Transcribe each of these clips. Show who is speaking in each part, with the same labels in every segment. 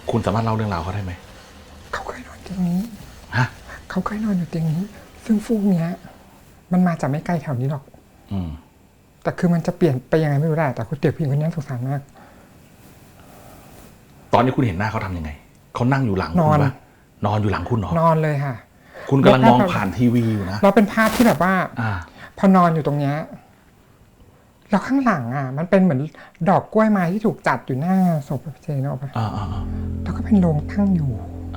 Speaker 1: คุณสามารถเล่าเรื่องราวเขาได้ไหม
Speaker 2: เขาเคยนอนเตียงนี้
Speaker 1: ฮะ
Speaker 2: เขาเคยนอนอยู่เตียงนี้ซึ่งฟูกเนี้ยมันมาจากไม่ไกลแถวนี้หรอกแต่คือมันจะเปลี่ยนไปยังไงไม่รู้แหละแต่คุณเด็กผู้หญิงคนนี้สงสารมาก
Speaker 1: ตอนนี้คุณเห็นหน้าเขาทำยังไงเขานั่งอยู่หลังคุณปะนอนอยู่หลังคุณเหรอน
Speaker 2: อนเลยค่ะ
Speaker 1: คุณกำลังมองผ่านทีวีอยู่นะ
Speaker 2: เราเป็นภาพที่แบบว่าพอนอนอยู่ตรงเนี้ยแล้วข้างหลังมันเป็นเหมือนดอกกล้วยไม้ที่ถูกจัดอยู่หน้าศพพี่เจนออกไปแล้วก็เป็นโรงตั้งอยู่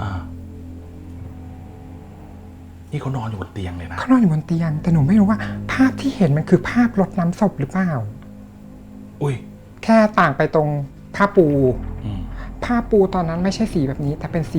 Speaker 1: นี่เขานอนอยู่บนเตียงเลยนะ
Speaker 2: เขานอนอยู่บนเตียงแต่หนูไม่รู้ว่าภาพที่เห็นมันคือภาพรดน้ำศพหรือเปล่า
Speaker 1: อุ้ย
Speaker 2: แค่ต่างไปตรงผ้าปูผ้าปูตอนนั้นไม่ใช่สีแบบนี้แต่เป็น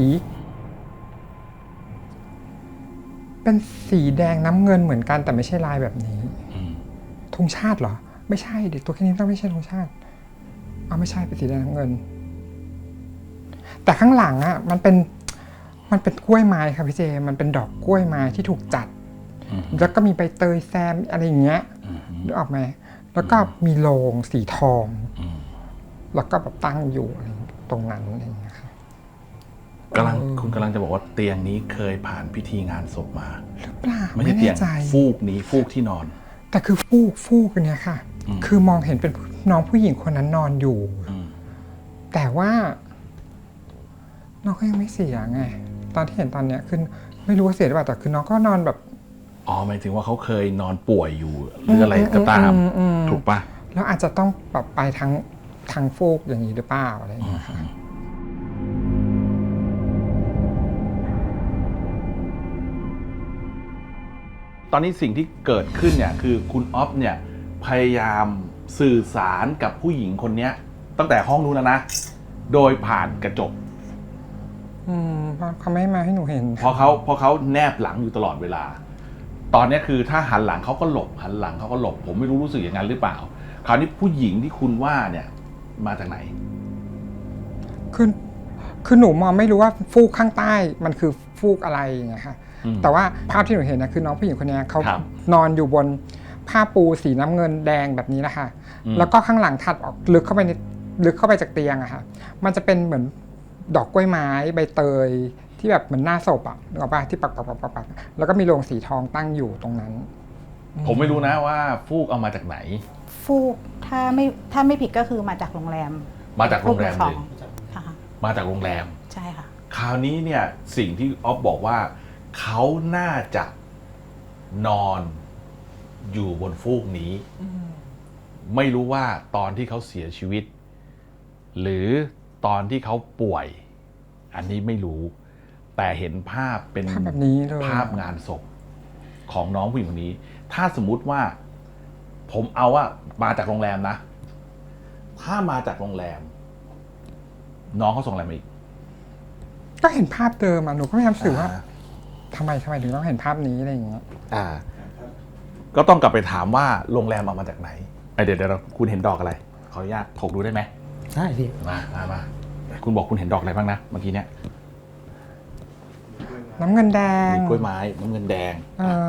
Speaker 2: สีแดงน้ำเงินเหมือนกันแต่ไม่ใช่ลายแบบนี้ธงชาติเหรอไม่ใช่เด็กตัวแค่นี้ต้องไม่ใช่ธงชาติไม่ใช่เป็นสีแดงน้ำเงินแต่ข้างหลังมันเป็นกล้วยไม้ครับพี่เจมันเป็นดอกกล้วยไม้ที่ถูกจัดแล้วก็มีใบเตยแซมอะไรอย่างเงี้ยนึกออกไหมแล้วก็มีโลงสีทองแล้วก็แบบตั้งอยู่ตรงนั้นอะไรอย่างเงี้ยครับ
Speaker 1: คุณกำลังจะบอกว่าเตียงนี้เคยผ่านพิธีงานศพมา
Speaker 2: หรือเปล่า
Speaker 1: ไม่ใช่เตียงฟูกนี้ฟูกที่นอน
Speaker 2: แต่คือฟูกอันเนี้ยค่ะคือมองเห็นเป็นน้องผู้หญิงคนนั้นนอนอยู่แต่ว่าน้องก็ยังไม่เสียไงตอนที่เห็นตอนเนี้ยคือไม่รู้ว่าเสียหรือเปล่าแต่คือน้องก็นอนแบบ
Speaker 1: หมายถึงว่าเขาเคยนอนป่วยอยู่หรืออะไรก็ตามถูกปะ
Speaker 2: แล้วอาจจะต้องแบบไปทางฟูกอย่างนี้หรือเปล่าอะไรอย่างเงี้ยค่ะ
Speaker 1: ตอนนี้สิ่งที่เกิดขึ้นเนี่ยคือคุณอ๊อฟเนี่ยพยายามสื่อสารกับผู้หญิงคนนี้ตั้งแต่ห้องนู้นนะโดยผ่านกระจก
Speaker 2: เขาไม่มาให้หนูเห็น
Speaker 1: เพราะเขาแนบหลังอยู่ตลอดเวลาตอนนี้คือถ้าหันหลังเขาก็หลบหันหลังเขาก็หลบผมไม่รู้สึกอย่างนั้นหรือเปล่าคราวนี้ผู้หญิงที่คุณว่าเนี่ยมาจากไหน
Speaker 2: คือหนูมองไม่รู้ว่าฟูกข้างใต้มันคือฟูกอะไรอย่างเงี้ยค่ะแต่ว่าภาพที่หนูเห็นนะคือน้องผู้หญิงคนนี้เขานอนอยู่บนผ้าปูสีน้ำเงินแดงแบบนี้นะคะแล้วก็ข้างหลังถัดออกลึกเข้าไปจากเตียงอะค่ะมันจะเป็นเหมือนดอกกล้วยไม้ใบเตยที่แบบเหมือนหน้าศพอะนึกออกป่ะที่ปักแล้วก็มีโลงสีทองตั้งอยู่ตรงนั้น
Speaker 1: ผมไม่รู้นะว่าฟูกเอามาจากไหน
Speaker 3: ฟูกถ้าไม่ผิดก็คือมาจากโรงแรม
Speaker 1: เลยมาจากโรงแรม
Speaker 3: ใช่ค่ะ
Speaker 1: คราวนี้เนี่ยสิ่งที่อ๊อฟบอกว่าเขาน่าจะนอนอยู่บนฟูกนี้ไม่รู้ว่าตอนที่เขาเสียชีวิตหรือตอนที่เขาป่วยอันนี้ไม่รู้แต่เห็นภาพเป็น
Speaker 2: ภาพแบบนี้เลย
Speaker 1: ภาพงานศพของน้องผู้หญิงคนนี้ถ้าสมมุติว่าผมเอาว่ามาจากโรงแรมนะถ้ามาจากโรงแรมน้องเขาส่งอะไรมาอีก
Speaker 2: ก็เห็นภาพเดิมหนูก็พยายามสื่อว่าทำไมถึงต้องเห็นภาพนี้อะไรอย่างเงี้ย
Speaker 1: ก็ต้องกลับไปถามว่าโรงแรมเอามาจากไหนเดี๋ยวคุณเห็นดอกอะไรขออนุญาตถกดูได้ไหม
Speaker 2: ได้พี่
Speaker 1: มาคุณบอกคุณเห็นดอกอะไรบ้างนะเมื่อกี้เนี่ย
Speaker 2: น้ำเงินแดง
Speaker 1: กล้วยไม้น้ำเงินแดง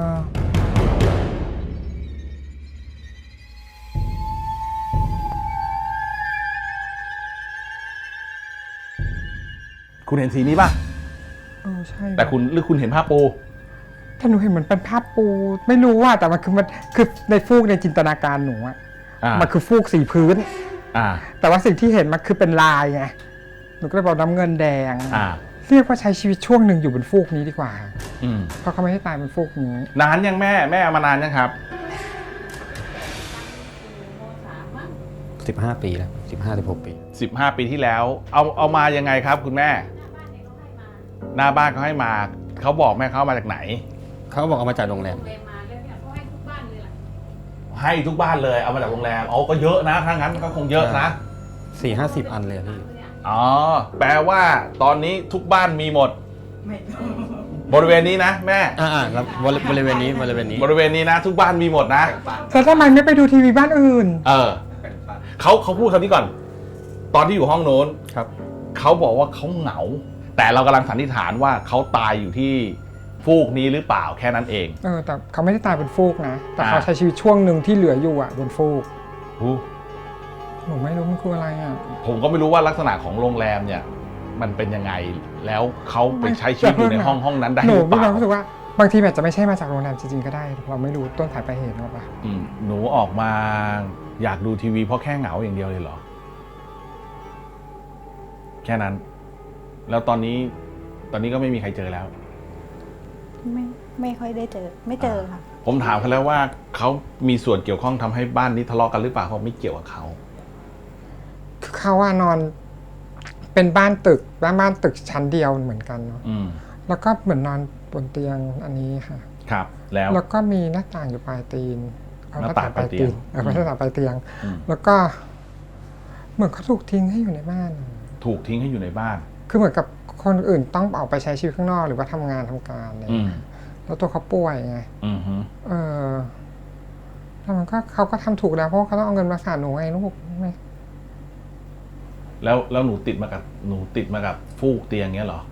Speaker 1: คุณเห็นสีนี้ป่ะ
Speaker 2: ใช่
Speaker 1: แต่คุณเห็นภาพปู
Speaker 2: ถ้าหนูเห็นเหมือนเป็นภาพปูไม่รู้ว่าแต่มันคือในฟูกในจินตนาการหนูมันคือฟูกสีพื้นแต่ว่าสิ่งที่เห็นมันคือเป็นลายไงหนูก็เลยบอกน้ำเงินแดงเรียกว่าใช้ชีวิตช่วงหนึ่งอยู่บนฟูกนี้ดีกว่าเพราะเขาไม่ให้ตายบนฟูกนี้
Speaker 1: นานยังแม่เอามานานยังครับ
Speaker 4: 15 ปีแล้ว15-16 ปี
Speaker 1: 15 ปีที่แล้วเอามายังไงครับคุณแม่หน้าบ้านเขาให้มาเขาบอกแม่เขามาจากไหน
Speaker 4: เขาบอกเอามาจากโรงแรม
Speaker 1: ให้ทุกบ้านเลยเอามาจากโรงแรมก็เยอะนะถ้างั้นก็คงเยอะนะ
Speaker 4: 4-50 อันเลยพี่
Speaker 1: แปลว่าตอนนี้ทุกบ้านมีหมดบริเวณนี้นะแม่
Speaker 4: ครับบริเวณนี้
Speaker 1: นะทุกบ้านมีหมดนะ
Speaker 2: แต่ทำไมไม่ไปดูทีวีบ้านอื่น
Speaker 1: เขาพูดคำนี้ก่อนตอนที่อยู่ห้องโน้น
Speaker 4: ครับ
Speaker 1: เขาบอกว่าเขาเหงาแต่เรากำลังสันนิษฐานว่าเขาตายอยู่ที่ฟูกนี้หรือเปล่าแค่นั้นเอง
Speaker 2: แต่เขาไม่ได้ตายบนฟูกนะแต่เขาใช้ชีวิตช่วงหนึ่งที่เหลืออยู่บนฟูก
Speaker 1: ห
Speaker 2: นูไม่รู้มันคืออะไร
Speaker 1: ผมก็ไม่รู้ว่าลักษณะของโรงแรมเนี่ยมันเป็นยังไง แล้วเขาไปใช้ชีวิตอยู่ในห้องนั้นได้
Speaker 2: ห
Speaker 1: ห
Speaker 2: นู
Speaker 1: รือเป
Speaker 2: มี
Speaker 1: ล่า
Speaker 2: ความรู้สึกว่าบางทีอาจจะไม่ใช่มาจากโรงแรมจริงๆก็ได้ เราไม่รู้ต้นสายปลายเหตุหรอกปะ
Speaker 1: หนูออกมาอยากดูทีวีเพราะแค่เหงาอย่างเดียวเลยเหรอ แค่นั้น แล้วตอนนี้ก็ไม่มีใครเจอแล้ว
Speaker 3: ไม่ค่อยได้เจอ ไม่เจอค่ะ
Speaker 1: ผมถามเขาแล้วว่าเขามีส่วนเกี่ยวข้องทำให้บ้านนี้ทะเลาะกันหรือเปล่าเขาไม่เกี่ยวกับเขา
Speaker 2: คือเขาว่านอนเป็นบ้านตึกบ้านตึกชั้นเดียวเหมือนกันเนาะ แล้วก็เหมือนนอนบนเตียงอันนี้ค่ะ
Speaker 1: ครับ แล้ว
Speaker 2: แล้วก็มีหน้าต่างอยู่ปลายตีน
Speaker 1: หน้าต่างปลายเตียง
Speaker 2: ไม่ใช่หน้าต่างปลายเตียง
Speaker 1: อืม
Speaker 2: แล้วก็เหมือนเขาถูกทิ้งให้อยู่ในบ้าน
Speaker 1: ถูกทิ้งให้อยู่ในบ้าน
Speaker 2: คือเหมือนกับคนอื่นต้องออกไปใช้ชีวิตข้างนอกหรือว่าทำงานทำการอะไรอย่าง
Speaker 1: อืม
Speaker 2: เงี้ยแล้วตัวเขาป่วยไง
Speaker 1: อืมฮึ
Speaker 2: แล้วมันก็เขาก็ทำถูกแล้วเพราะว่าเขาต้องเอาเงินมารักษาหนูไงลูกไม่
Speaker 1: แล้วหนูติดมากับฟูกเตียงเงี้ยเหรอ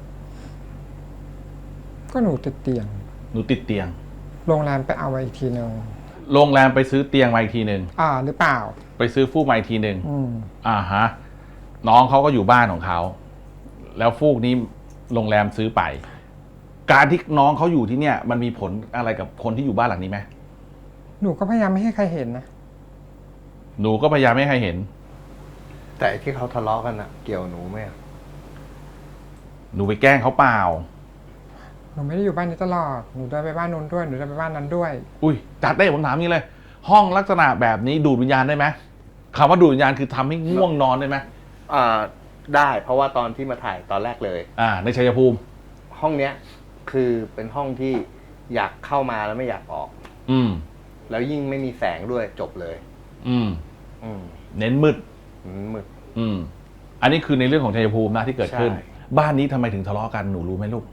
Speaker 2: ก็หนูติดเตียง
Speaker 1: หนูติดเตียง
Speaker 2: โรงแรมไปเอาไว้อีกทีหนึ่ง
Speaker 1: โรงแรมไปซื้อเตียงมาอีกทีหนึ่ง
Speaker 2: หรือเปล่า
Speaker 1: ไปซื้อฟูกมาอีกทีหนึ่ง
Speaker 2: อืม
Speaker 1: ฮะ น้องเขาก็อยู่บ้านของเขา แล้วฟูกนี้โรงแรมซื้อไป การที่น้องเขาอยู่ที่เนี่ย มันมีผลอะไรกับคนที่อยู่บ้านหลังนี้ไหม
Speaker 2: หนูก็พยายามไม่ให้ใครเห็นนะ
Speaker 1: หนูก็พยายามไม่ให้ใครเห็น
Speaker 5: แต่ที่เขาทะเลาะกันอะเกี่ยวหนูไหมอะ
Speaker 1: หนูไปแกล้งเขาเปล่า
Speaker 2: หนูไม่ได้อยู่บ้านนี้ตลอด หนูเดินไปบ้านนู้นด้วย หนูเดินไปบ้านนั้นด้วย
Speaker 1: อุ้ยจัดได้ผมถามนี้เลย ห้องลักษณะแบบนี้ดูดวิญญาณได้ไหมคำว่าดูดวิญญาณคือทำให้ง่วงนอนได้ไหม
Speaker 5: ได้เพราะว่าตอนที่มาถ่ายตอนแรกเลย
Speaker 1: ในชัยภูมิ
Speaker 5: ห้องเนี้ยคือเป็นห้องที่อยากเข้ามาแล้วไม่อยากออก
Speaker 1: อืม
Speaker 5: แล้วยิ่งไม่มีแสงด้วยจบเลย
Speaker 1: อืม
Speaker 5: อืม
Speaker 1: เน้นมืด
Speaker 5: มืด
Speaker 1: อืม อันนี้คือในเรื่องของชัยภูมินะที่เกิดขึ้น
Speaker 5: ใช่
Speaker 1: บ้านนี้ทำไมถึงทะเลาะกันหนูรู้ไหมลูก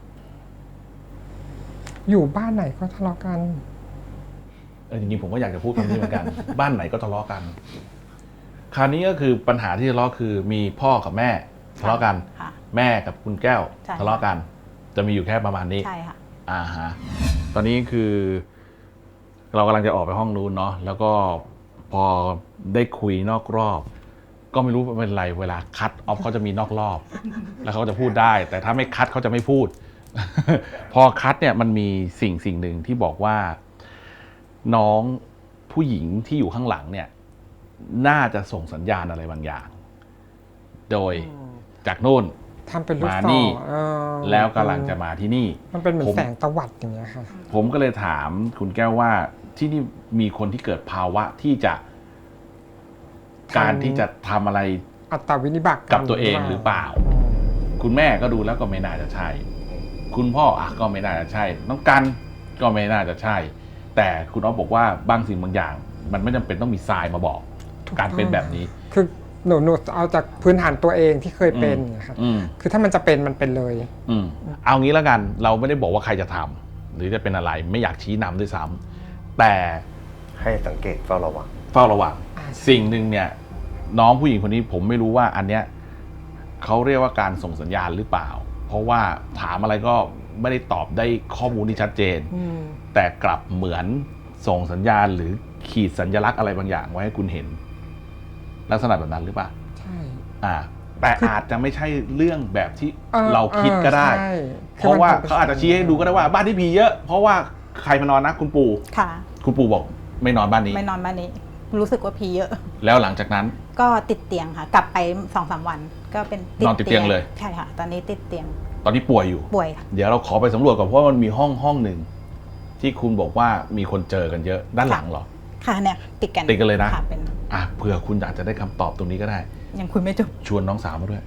Speaker 2: อยู่บ้านไหนก็ทะเลาะกัน
Speaker 1: จริงๆผมก็อยากจะพูดคำนี้เหมือนกัน บ้านไหนก็ทะเลาะกัน คราวนี้ก็คือปัญหาที่ทะเลาะคือมีพ่อกับแม่ทะเลาะกัน
Speaker 3: ค่ะ
Speaker 1: แม่กับคุณแก้ว
Speaker 3: ใช่
Speaker 1: ทะเลาะกัน จะมีอยู่แค่ประมาณนี้
Speaker 3: ใช่ค่ะ
Speaker 1: ฮะ ตอนนี้คือ เรากำลังจะออกไปห้องนู้นเนาะ แล้วก็พอได้คุยนอกรอบ ก็ไม่รู้เป็นไรเวลาคัดออฟเขาจะมีนอกรอบ แล้วเขาจะพูดได้ แต่ถ้าไม่คัดเขาจะไม่พูด พอคัดเนี่ยมันมีสิ่งหนึ่งที่บอกว่า น้องผู้หญิงที่อยู่ข้างหลังเนี่ย น่าจะส่งสัญญาณอะไรบางอย่าง โดยจากโน่น
Speaker 2: ทำเป็นลูก
Speaker 1: มา
Speaker 2: ศ
Speaker 1: นี่
Speaker 2: รเ
Speaker 1: แล้วกำลังจะมาที่นี่
Speaker 2: มันเป็นเหมือ
Speaker 1: ผ
Speaker 2: น
Speaker 1: ม
Speaker 2: แสงตะวัดอย่างเงี้ยค่ะ
Speaker 1: ผมก็เลยถามคุณแก้วว่าที่นี่มีคนที่เกิดภาวะที่จะ การที่จะทำอะไร
Speaker 2: อัตตวินิบาต
Speaker 1: กับตัวเองหรือเปล่า คุณแม่ก็ดูแล้วก็ไม่น่าจะใช่ คุณพ่อก็ไม่น่าจะใช่ น้องกันก็ไม่น่าจะใช่ แต่คุณอ๊อฟบอกว่าบางสิ่งบางอย่าง มันไม่จำเป็นต้องมีทรายมาบอก การเป็นแบบนี้
Speaker 2: คือหนูเอาจากพื้นฐานตัวเองที่เคยเป็นนะครับ
Speaker 1: อืม
Speaker 2: คือถ้ามันจะเป็นมันเป็นเลย
Speaker 1: เอางี้แล้วกัน เราไม่ได้บอกว่าใครจะทำหรือจะเป็นอะไรไม่อยากชี้นำด้วยซ้ำแต่
Speaker 5: ให้สังเกตเฝ้าระวัง
Speaker 1: เฝ้าระวังสิ่งหนึ่งเนี่ย น้องผู้หญิงคนนี้ผมไม่รู้ว่าอันเนี้ยเขาเรียกว่าการส่งสัญญาณหรือเปล่า เพราะว่าถามอะไรก็ไม่ได้ตอบได้ข้อมูลที่ชัดเจน แต่กลับเหมือนส่งสัญญาณหรือขีดสัญลักษณ์อะไรบางอย่างไว้ให้คุณเห็น ลักษณะแบบนั้นหรือเปล่า
Speaker 2: ใช่
Speaker 1: แต่อาจจะไม่ใช่เรื่องแบบที่เราคิดก็ได้
Speaker 2: ใช่
Speaker 1: เพราะว่าเขาอาจจะชี้ให้ดูก็ได้ว่าบ้านที่ผีเยอะ เพราะว่าใครมานอนนะคุณปู่
Speaker 3: ค่ะ
Speaker 1: คุณปู่บอกไม่นอนบ้านนี้
Speaker 3: ไม่นอนบ้านนี้ รู้สึกว่าผีเยอะ
Speaker 1: แล้วหลังจากนั้น
Speaker 3: ก็ติดเตียงค่ะ กลับไป 2-3 วัน ก็เป็น
Speaker 1: นอนติดเตียงเลย
Speaker 3: ใช่ค่ะ ตอนนี้ติดเตียง
Speaker 1: ตอนนี้ป่วยอยู่
Speaker 3: ป่วยค่ะ
Speaker 1: เดี๋ยวเราขอไปสำรวจก่อนเพราะว่ามันมีห้องหนึ่งที่คุณบอกว่ามีคนเจอกันเยอะด้านหลังเหรอ
Speaker 3: ค่ะเนี่ยติดกัน
Speaker 1: ติดกันเลยนะ
Speaker 3: ค่ะเป็น
Speaker 1: เผื่อคุณอาจจะได้คำตอบตรงนี้ก็ได้
Speaker 3: ยังคุยไม่จบ
Speaker 1: ชวนน้องสาวมาด้วย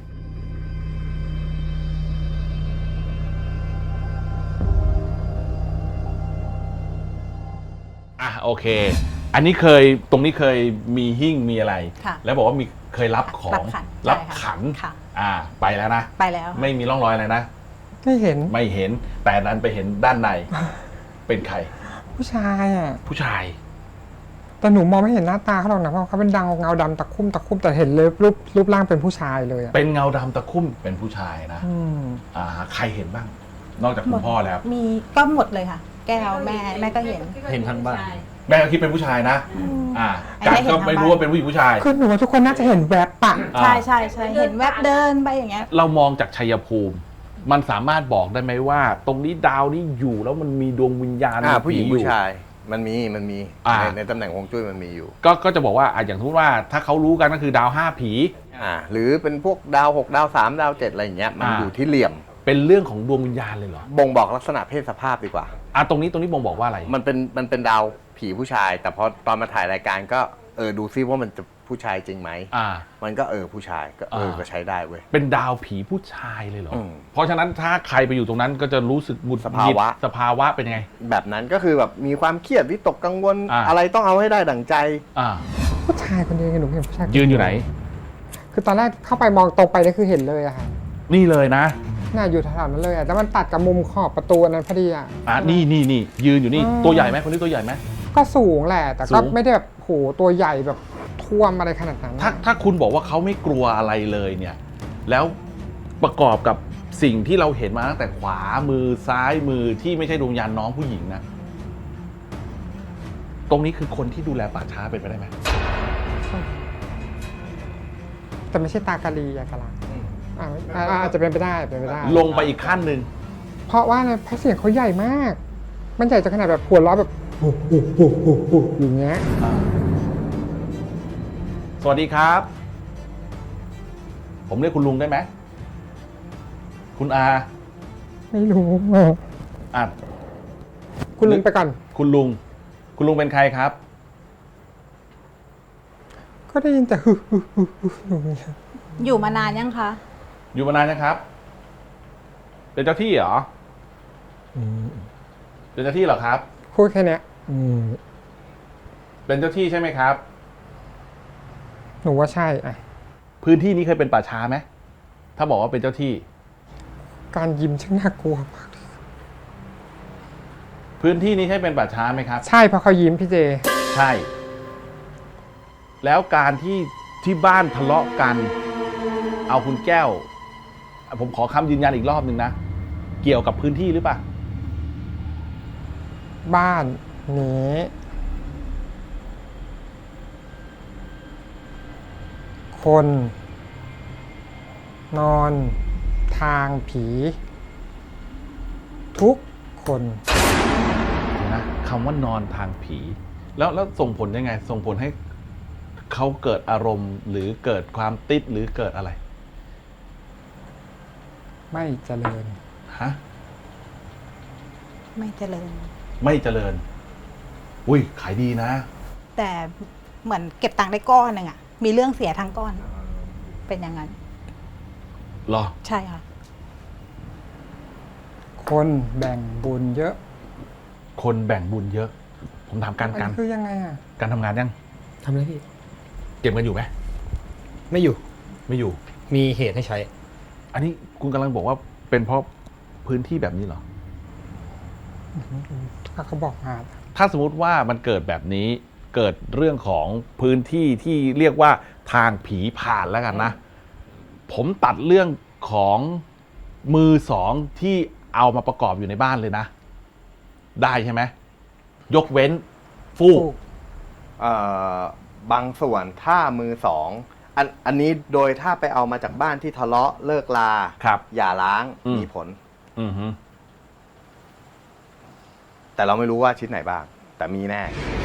Speaker 1: โอเค อันนี้ตรงนี้เคยมีหิ้งมีอะไร
Speaker 3: ค่ะ
Speaker 1: แล้วบอกว่ามีเคยรับของ
Speaker 3: รับขัน
Speaker 1: ขัน
Speaker 3: ค่ะ
Speaker 1: ไปแล้วนะ
Speaker 3: ไปแล้ว
Speaker 1: ไม่มีร่องรอยอะไรนะ
Speaker 2: ไม่เห็น
Speaker 1: ไม่เห็น แต่นั้นไปเห็นด้านใน เป็นใคร
Speaker 2: ผู้ชายอ่ะ
Speaker 1: ผู้ชาย
Speaker 2: แต่หนูมองไม่เห็นหน้าตาเขาหรอกนะเพราะเขาเป็นเงาดำตะคุ่มแต่เห็นเลยรูปร่างเป็นผู้ชายเลยอ่ะ
Speaker 1: เป็นเงาดำตะคุ่มเป็นผู้ชายนะ ใครเห็นบ้าง นอกจากคุณพ่อแล้ว
Speaker 3: มีก็หมดเลยค่ะ แก้วแม่ก็เห็น
Speaker 4: เห็นทั้งบ้าน
Speaker 1: แม่ก็คิดเป็นผู้ชายนะการก็ไม่รู้ว่าเป็นผู้หญิงผู้ชาย
Speaker 2: คือหนูว่าทุกคนน่าจะเห็นแวบปะ
Speaker 3: ใช่ใช่ใช่เห็นแวบเดินไปอย่างเงี้ย
Speaker 1: เรามองจากชัยภูมิ มันสามารถบอกได้ไหมว่า ตรงนี้ดาวนี้อยู่แล้วมันมีดวงวิญญาณ
Speaker 5: ผู้หญิง
Speaker 1: อยู่
Speaker 5: ผู้ชายมันมี ในตำแหน่งฮวงจุ้ยมันมีอยู่
Speaker 1: ก็จะบอกว่าอย่างสมมติว่าถ้าเขารู้กันก็คือดาว5 ผี
Speaker 5: หรือเป็นพวกดาว6ดาว3ดาว7อะไรอย่างเงี้ยมันอยู่ที่เหลี่ยม
Speaker 1: เป็นเรื่องของดวงวิญญาณเลยเหรอ
Speaker 5: บ่งบอกลักษณะเพศสภาพดีกว่า
Speaker 1: ตรงนี้บ่งบอกว่าอะไร
Speaker 5: มันเป็นดาวผีผู้ชาย แต่พอตอนมาถ่ายรายการก็ดูซิว่ามันจะผู้ชายจริงไหมมันก็ผู้ชายก็ก็ใช้ได้เว้ย
Speaker 1: เป็นดาวผีผู้ชายเลยเหรอ
Speaker 5: ม
Speaker 1: เพราะฉะนั้นถ้าใครไปอยู่ตรงนั้นก็จะรู้สึกหงุดหงิดสภาวะเป็นยังไง
Speaker 5: แบบนั้นก็คือแบบมีความเครียดวิตกกังวล อะไรต้องเอาให้ได้ดั่งใจ
Speaker 2: ผู้ชายคนเดียวหนูเห็นผู้ชาย
Speaker 1: ยืนอยู่ไหน
Speaker 2: คือตอนแรกเข้าไปมองตรงไปนี่คือเห็นเลยอะค่ะ
Speaker 1: นี่เลยนะ
Speaker 2: น่าอยู่แถวๆนั้นเลยอะแต่มันตัดกับมุมขอบประตูอันนั้นพอดีอะ
Speaker 1: นี่ยืนอยู่นี่ตัวใหญ่ไหมคนนี้ตัวใหญ่ไหม
Speaker 2: ก็สูงแหละแต่
Speaker 1: สู
Speaker 2: ก็
Speaker 1: ง
Speaker 2: ไม่ได้แบบโหตัวใหญ่แบบท่วมอะไรขนาดนั้น
Speaker 1: ถ้าคุณบอกว่าเขาไม่กลัวอะไรเลยเนี่ย แล้วประกอบกับสิ่งที่เราเห็นมาตั้งแต่ขวามือซ้ายมือที่ไม่ใช่ดวงวิญญาณน้องผู้หญิงนะตรงนี้คือคนที่ดูแลป่าช้าเป็นไปได้ไหม
Speaker 2: แต่ไม่ใช่ตากะลีอะกะลาอาจจะเป็นไปได้เป็นไปได้
Speaker 1: ลงไปอีกขั้นหนึ่ง
Speaker 2: เพราะว่าอะไรเพราะเสียงเขาใหญ่มาก มันใหญ่จนขนาดแบบหัวเราะแบบอย่างเงี้ย
Speaker 1: สวัสดีครับ ผมเรียกคุณลุงได้ไหมคุณอา
Speaker 2: ไม่รู้
Speaker 1: อ่ะ
Speaker 2: คุณลุงไปก่อน
Speaker 1: คุณลุงเป็นใครครับ
Speaker 2: ก็ได้ยินแต่อย่างเงี้ย
Speaker 3: อยู่มานานยังคะ
Speaker 1: อยู่มานานนะครับ เป็นเจ้าที่เหรอเป็นเจ้าที่เหรอครับ
Speaker 2: พูดแค่เนี้ย
Speaker 1: เป็นเจ้าที่ใช่ไหมครับ
Speaker 2: หนูว่าใช่อะ
Speaker 1: พื้นที่นี้เคยเป็นป่าช้าไหมถ้าบอกว่าเป็นเจ้าที่
Speaker 2: การยิ้มช่างน่ากลัวมาก
Speaker 1: พื้นที่นี้ใช่เป็นป่าช้าไหมครับ
Speaker 2: ใช่เพราะเขายิ้มพี่เจ
Speaker 1: ใช่ แล้วการที่บ้านทะเลาะกัน เอาคุณแก้ว ผมขอคำยืนยันอีกรอบหนึ่งนะ เกี่ยวกับพื้นที่หรือเปล่า
Speaker 2: บ้านนี้คนนอนทางผี ทุกคน
Speaker 1: นะคำว่านอนทางผี แล้วส่งผลยังไง ส่งผลให้เขาเกิดอารมณ์ หรือเกิดความติดหรือเกิดอะไร
Speaker 2: ไม่เจริญ
Speaker 1: ฮะ
Speaker 3: ไม่เจริญ
Speaker 1: ไม่เจริญ อุ้ยขายดีนะ
Speaker 3: แต่เหมือนเก็บตังค์ได้ก้อนหนึ่งอะมีเรื่องเสียทั้งก้อน เป็นอย่างนั้น
Speaker 1: เหรอ
Speaker 3: ใช่ค่ะ
Speaker 2: คนแบ่งบุญเยอะ
Speaker 1: คนแบ่งบุญเยอะ ผมถามการ
Speaker 2: อันนี้คือยังไงอ่ะ
Speaker 1: การทำงานยัง
Speaker 4: ทำอะไรพี่
Speaker 1: เก็บเงินอยู่ไหม
Speaker 4: ไม่อยู่
Speaker 1: ไม่อยู่
Speaker 4: มีเหตุให้ใช้
Speaker 1: อันนี้คุณกำลังบอกว่าเป็นเพราะพื้นที่แบบนี้เหรอ
Speaker 2: ถ้าเขาบอกมา
Speaker 1: ถ้าสมมติว่ามันเกิดแบบนี้ เกิดเรื่องของพื้นที่ที่เรียกว่าทางผีผ่านแล้วกันนะ ผมตัดเรื่องของมือสองที่เอามาประกอบอยู่ในบ้านเลยนะ ได้ใช่ไหม ยกเว้นฟูก
Speaker 5: บางส่วนถ้ามือสองอันนี้โดยถ้าไปเอามาจากบ้านที่ทะเลาะเลิกลา
Speaker 1: ครับ
Speaker 5: อย่าล้าง
Speaker 1: อืม
Speaker 5: มีผล
Speaker 1: อือฮึ
Speaker 5: แต่เราไม่รู้ว่าชิ้นไหนบ้าง แต่มีแน่